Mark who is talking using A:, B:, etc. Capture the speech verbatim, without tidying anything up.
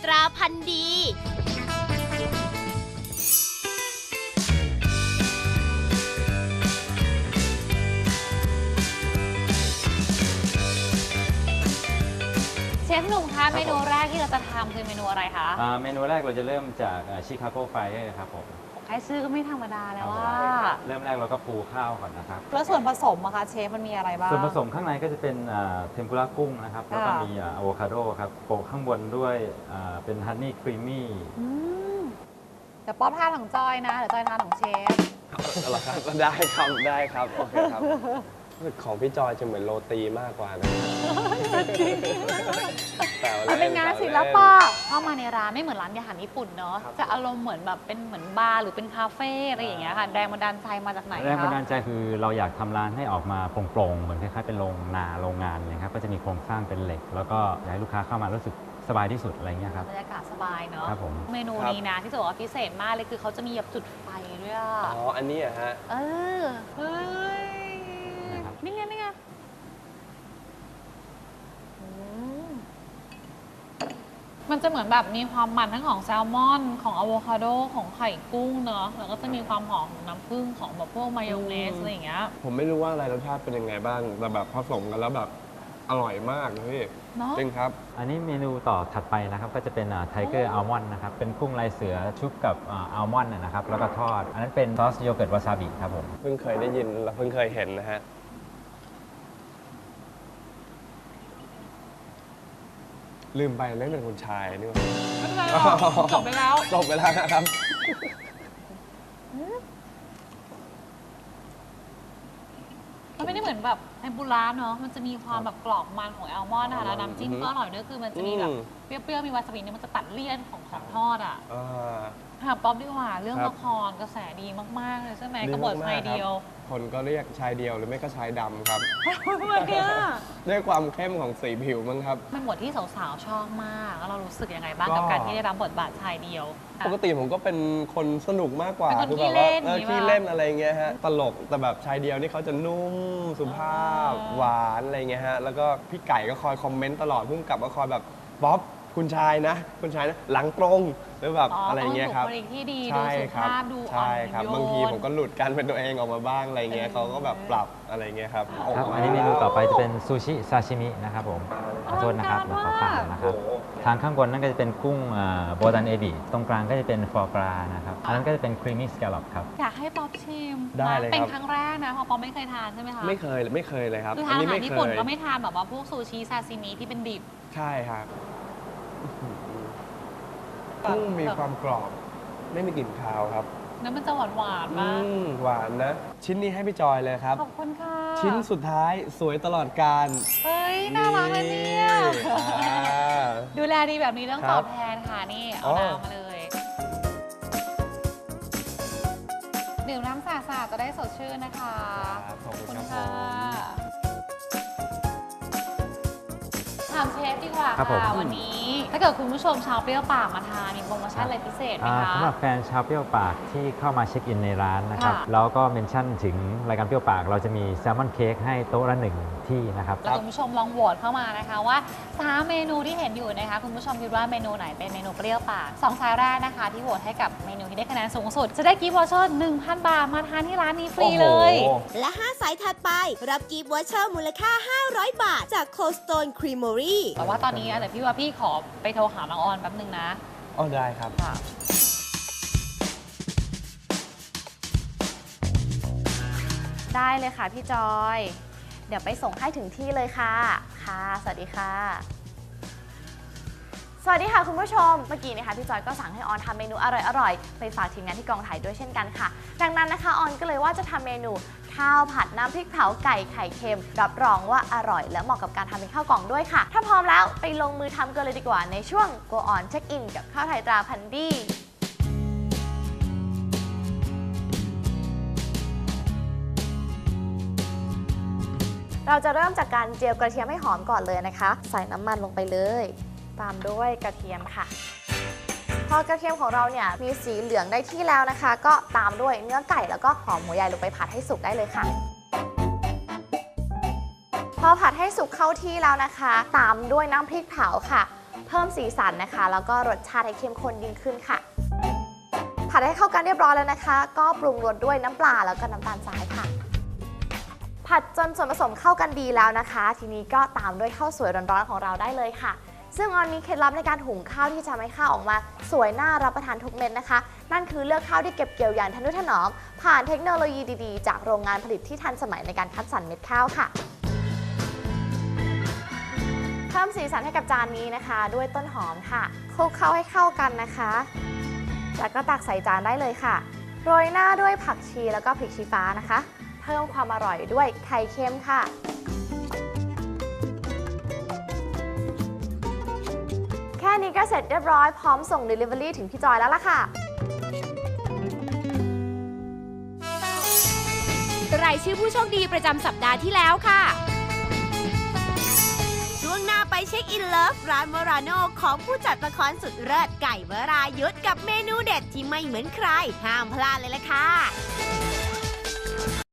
A: ตราพันธุ์ดี
B: เชฟหนุ่มคะเมนูแรกที่เราจะทำคือเมนูอะไรคะ
C: อ่าเมนูแรกเราจะเริ่มจากชิคาโกไฟครับผม
B: แค่ชื่อก็ไม่ธรรมดาแล้วว่า
C: เริ่มแรกเราก็ปูข้าวก่อนนะครับ
B: แล้วส่วนผสมอะคะเชฟมันมีอะไรบ้าง
C: ส่วนผสมข้างในก็จะเป็นเทมปุระกุ้งนะครับแล้วก็
B: ค่ะ
C: มีอะโวคาโดครับโปะข้างบนด้วยอ่าเป็นฮันนี่ครีมมี่
B: อืมเดี๋ยวป๊อปทานของจอยนะเดี๋ยวจอยทานของเชฟ
D: เอาละครับได้ครับได้ครับโอเคครับของพี่จอยจะเหมือนโรตีมากกว่านะแต่
B: มันเป็นงานศิลปะเข้ามาในร้านไม่เหมือนร้านอาหารญี่ปุ่นเนาะ
D: ครับ
B: จะอารมณ์เหมือนแบบเป็นเหมือนบาร์หรือเป็นคาเฟ่อะไรอย่างเงี้ยค่ะแรงบันดาลใจมาจากไหน
C: แรงบันดา
B: คะ
C: ลใจคือเราอยากทำร้านให้ออกมาโปร่งๆเหมือนคล้ายๆเป็นโรงนาโรงงานนะครับก็จะมีโครงสร้างเป็นเหล็ก แล้วก็อยากให้ลูกค้าเข้ามารู้สึกสบายที่สุดอะไรเงี้ยครับ
B: บรรยากาศสบายเนาะ
C: ครับผม
B: เมนูนี้นะที่จะบอกว่าพิเศษมากเลยคือเขาจะมีแบบจุดไฟด้วยอะ
D: อ๋ออันนี้อะฮะ
B: เออเฮ้ย
C: นะครับ
B: นี่ไงนี่ไงอืมมันจะเหมือนแบบมีความมันทั้งของแซลมอนของอะโวคาโดของไข่กุ้งเนาะแล้วก็จะมีความหอมของน้ำผึ้งของแบบพวกมายองเนสอะไรอย่างเงี้ย
D: ผมไม่รู้ว่าอะไรรสชาติเป็นยังไงบ้างแต่แบบผสมกันแล้วแบบอร่อยมากนะพี่
B: เนาะ
D: จริงครับ
C: อันนี้เมนูต่อถัดไปนะครับก็จะเป็นไทเกอร์อัลมอนด์นะครับเป็นกุ้งลายเสือชุบกับอัลมอนด์นะครับแล้วก็ทอด อันนั้นเป็นซอสโยเกิร์ตวาซาบิครับผม
D: เพิ่งเคยได้ยินและเพิ่งเคยเห็นนะฮะลืมไปไม่เป็นคุณชายนี่หว่า
B: ไม่เป็นไรหรอกจบไปแล้ว
D: จบไปแล้วนะครับ
B: มันไม่ได้เหมือนแบบเทมปุระเนาะ มันจะมีความแบบกรอบมันของแอลมอนด์นะคะแล้วน้ำจิ้มก็อร่อยด้วยคือมันจะมีแบบ
D: อืม
B: เปรี้ยวๆ มีวาซาบิเนี่ยมันจะตัดเลี่ยนของของทอดอ่ะ
D: อ่า
B: ถามป๊อปดีกว่าเรื่อง
D: ครับ
B: ละครกระแสดีมาก ๆ เลยใช่ไหม
D: ดี
B: กบฏ
D: มากๆ
B: ชายเดียว
D: ครับคนก็เรียกชายเดียวหรือไม่ก็ชายดำครับ
B: ทำไมเนี่ย
D: ด้วยความเข้มของสีผิวมั้งครับ
B: เป็นบทที่สาวๆ ชอบมาก แล้วเรารู้สึกยังไงบ้าง
D: ก็
B: กับการที่ได้รับบทบาทชายเดียวอ่ะ
D: ปกติผมก็เป็นคนสนุกมากกว่า
B: เป็นคน
D: คือ
B: ขี้
D: แบบว่า
B: เล่น
D: เออ
B: อย่างงี้
D: ขี้
B: ป่ะ
D: เล่นอะไรเงี้ยฮะตลกแต่แบบชายเดียวนี่เขาจะนุ่มสุภาพ
B: อ่า
D: หวานอะไรเงี้ยฮะแล้วก็พี่ไก่ก็คอยคอมเมนต์ตลอดพุ่งกลับก็คอยแบบป๊อปคุณชายนะ คุณชายนะหลังตรงหรือแบบอะไรเงี้ยครับ
B: บุคลิกที่ดีดู
D: ใช่
B: สุ
D: ครับ
B: ภาพดูอ่อ
D: ใช่
B: น
D: ครับ
B: โยน
D: บางทีผมก็หลุดการเป็นตัวเองออกมาบ้างอะไรเงี้ยเขาก็แบบปรับอะไรเงี้ยครับ
C: ครับอันนี้เมนูต่อไปจะเป็นซูชิซาชิมินะครับผมขอโทษนะครับ
B: อลั
C: เรา
B: ง
C: ข
B: กา
C: อ
B: รมาก
C: ฝากนะครับ ทางข้างบนนั่นก็จะเป็นกุ้งโบตันเอบิตรงกลางก็จะเป็นฟอร์กรานะครับอันนั้นก็จะเป็นครีมมี่สแกลลอปครับ
B: อยากให้ป๊อปชิม
D: ได้
B: นะ
D: เลย
B: เป็น
D: ครับ
B: ครั้งแรกนะเพราะป๊อปไม่เคยทานใช่ไหมคะ
D: ไม่เคยไม่เคยเลยครับ
B: คือ
D: อั
B: ทาน
D: นี้
B: อาหาร
D: ไม่
B: ญี่
D: เค
B: ปุ่น
D: ย
B: ก็ไม่ทานแบบว่าพวกซูชิซาซิมิที่เป็นดิบ
D: ใช่ครับกุ้งมีความกรอบ ไม่มีกลิ่นคาวครับ
B: แล้วมันจะหวานหวานๆ
D: อื
B: มาก
D: มหวานนะ ชิ้นนี้ให้พี่จอยเลยครับ
B: ขอบคุณค่ะ
D: ชิ้นสุดท้ายสวยตลอดการ
B: เฮ้ย น่ารักเลยเนี่ย
D: อ่า
B: ดูแลดีแบบนี้ต้อง
D: ครั
B: ต
D: บ
B: อบแทนค่ะนี่ เอา
D: อ๋อ
B: น้ำมาเลยดื่มน้ำสาดๆจะได้สดชื่นนะคะ
D: ครับขอบคุณ
B: ข
D: ค
B: อ
D: รั
B: บบ
D: ผ
B: ค่ะ
D: ม
B: ถามเชฟดีกว่า
C: ครับผม
B: ค่ะวันนี้ ถ้าเกิดคุณผู้ชมชาวเปรี้ยวปากมาทานมีโปรโมชั่นอะไรพิเศษไหม
C: อ่า
B: คะ
C: สำหรับแฟนชาวเปรี้ยวปากที่เข้ามาเช็คอินในร้านนะครับ
B: ค่ะ
C: แล้วก็เมนชั่นถึงรายการเปรี้ยวปาก เราจะมีแซลมอนเค้กให้โต๊ะละหนึ่งที่นะครับ
B: แล้วคุณผู้ชมลองโหวตเข้ามานะคะว่าสามเมนูที่เห็นอยู่นะคะคุณผู้ชมคิดว่าเมนูไหนเป็นเมนูเปรี้ยวปากสองสายแรกนะคะที่โหวตให้กับเมนูที่ได้คะแนนสูงสุด จะได้กิฟต์วอเชอร์ หนึ่งพัน บาทมาทานที่ร้านนี้ฟรีเลย
D: โอ้โห
A: และ ห้า สายถัดไป รับกิฟต์วอเชอร์มูลค่า ห้าร้อย บาท จาก Cold Stone Creamery
B: แต่ว่าตอนนี้นะแต่พี่ว่าพี่ขอไปโทรหาน้องออนแป๊บนึงนะ
D: อ๋อได้ครับ
B: ค่ะได้เลยค่ะพี่จอย เดี๋ยวไปส่งให้ถึงที่เลยค่ะ ค่ะ สวัสดีค่ะ
E: สวัสดีค่ะคุณผู้ชม เมื่อกี้นะคะพี่จอยก็สั่งให้ออนทำเมนูอร่อยๆ ไปฝากทีมงานที่กองถ่ายด้วยเช่นกันค่ะ ดังนั้นนะคะออนก็เลยว่าจะทำเมนูข้าวผัดน้ำพริกเผาไก่ไข่เค็ม รับรองว่าอร่อยและเหมาะกับการทำเป็นข้าวกล่องด้วยค่ะ ถ้าพร้อมแล้วไปลงมือทำกันเลยดีกว่าในช่วง Go On Check In กับข้าวไทยตราพันธุ์ดี เราจะเริ่มจากการเจียวกระเทียมให้หอมก่อนเลยนะคะ ใส่น้ำมันลงไปเลย ตามด้วยกระเทียมค่ะ พอกระเทียมของเราเนี่ยมีสีเหลืองได้ที่แล้วนะคะ ก็ตามด้วยเนื้อไก่แล้วก็หอมหัวใหญ่ลงไปผัดให้สุกได้เลยค่ะ พอผัดให้สุกเข้าที่แล้วนะคะ ตามด้วยน้ำพริกเผาค่ะ เพิ่มสีสันนะคะ แล้วก็รสชาติให้เข้มข้นยิ่งขึ้นค่ะ ผัดให้เข้ากันเรียบร้อยแล้วนะคะ ก็ปรุงรสด้วยน้ำปลาแล้วก็น้ำตาลทรายค่ะ ผัดจนส่วนผสมเข้ากันดีแล้วนะคะ ทีนี้ก็ตามด้วยข้าวสวยร้อนๆของเราได้เลยค่ะ ซึ่งออนมีเคล็ดลับในการหุงข้าวที่จะทำให้ข้าวออกมาสวยน่ารับประทานทุกเม็ดนะคะ นั่นคือเลือกข้าวที่เก็บเกี่ยวอย่างทนุถนอมผ่านเทคโนโลยีดีๆจากโรงงานผลิตที่ทันสมัยในการคัดสรรเม็ดข้าวค่ะ เพิ่มสีสันให้กับจานนี้นะคะ ด้วยต้นหอมค่ะคลุกเคล้าให้เข้ากันนะคะ แล้วก็ตักใส่จานได้เลยค่ะโรยหน้าด้วยผักชีแล้วก็พริกชี้ฟ้านะคะ เพิ่มความอร่อยด้วยไข่เค็มค่ะ แค่นี้ก็เสร็จเรียบร้อยพร้อมส่ง Delivery ถึงพี่จอยแล้วล่ะค่ะ
A: รายชื่อผู้โชคดีประจำสัปดาห์ที่แล้วค่ะ ช่วงหน้าไปเช็คอินเลิฟร้านวราโนของผู้จัดละครสุดเลิศไก่วรายุทธกับเมนูเด็ดที่ไม่เหมือนใคร ห้ามพลาดเลยล่ะค่ะ